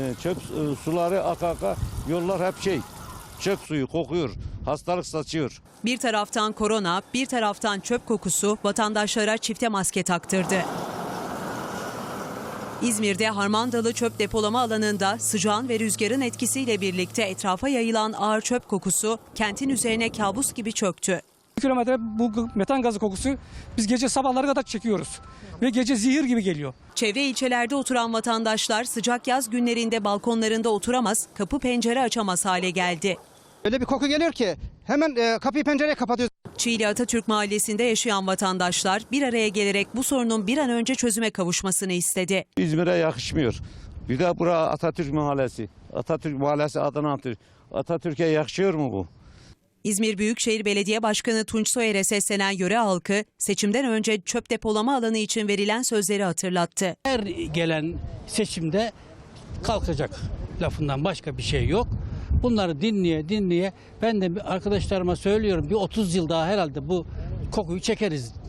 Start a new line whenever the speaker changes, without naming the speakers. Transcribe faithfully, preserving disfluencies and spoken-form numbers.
Çöp suları aka aka, yollar hep şey, çöp suyu kokuyor, hastalık saçıyor.
Bir taraftan korona, bir taraftan çöp kokusu vatandaşlara çifte maske taktırdı. İzmir'de Harmandalı çöp depolama alanında sıcağın ve rüzgarın etkisiyle birlikte etrafa yayılan ağır çöp kokusu kentin üzerine kabus gibi çöktü.
Kilometre bu metan gazı kokusu biz gece sabahlara kadar çekiyoruz ve gece zehir gibi geliyor.
Çevre ilçelerde oturan vatandaşlar sıcak yaz günlerinde balkonlarında oturamaz, kapı pencere açamaz hale geldi.
Öyle bir koku geliyor ki hemen e, kapıyı pencereyi kapatıyoruz.
Çiğli Atatürk Mahallesi'nde yaşayan vatandaşlar bir araya gelerek bu sorunun bir an önce çözüme kavuşmasını istedi.
İzmir'e yakışmıyor. Bir de bura Atatürk Mahallesi. Atatürk Mahallesi adına Atatürk. Atatürk'e yakışıyor mu bu?
İzmir Büyükşehir Belediye Başkanı Tunç Soyer'e seslenen yöre halkı seçimden önce çöp depolama alanı için verilen sözleri hatırlattı.
Her gelen seçimde kalkacak lafından başka bir şey yok. Bunları dinleye dinleye ben de arkadaşlarıma söylüyorum, bir otuz yıl daha herhalde bu kokuyu çekeriz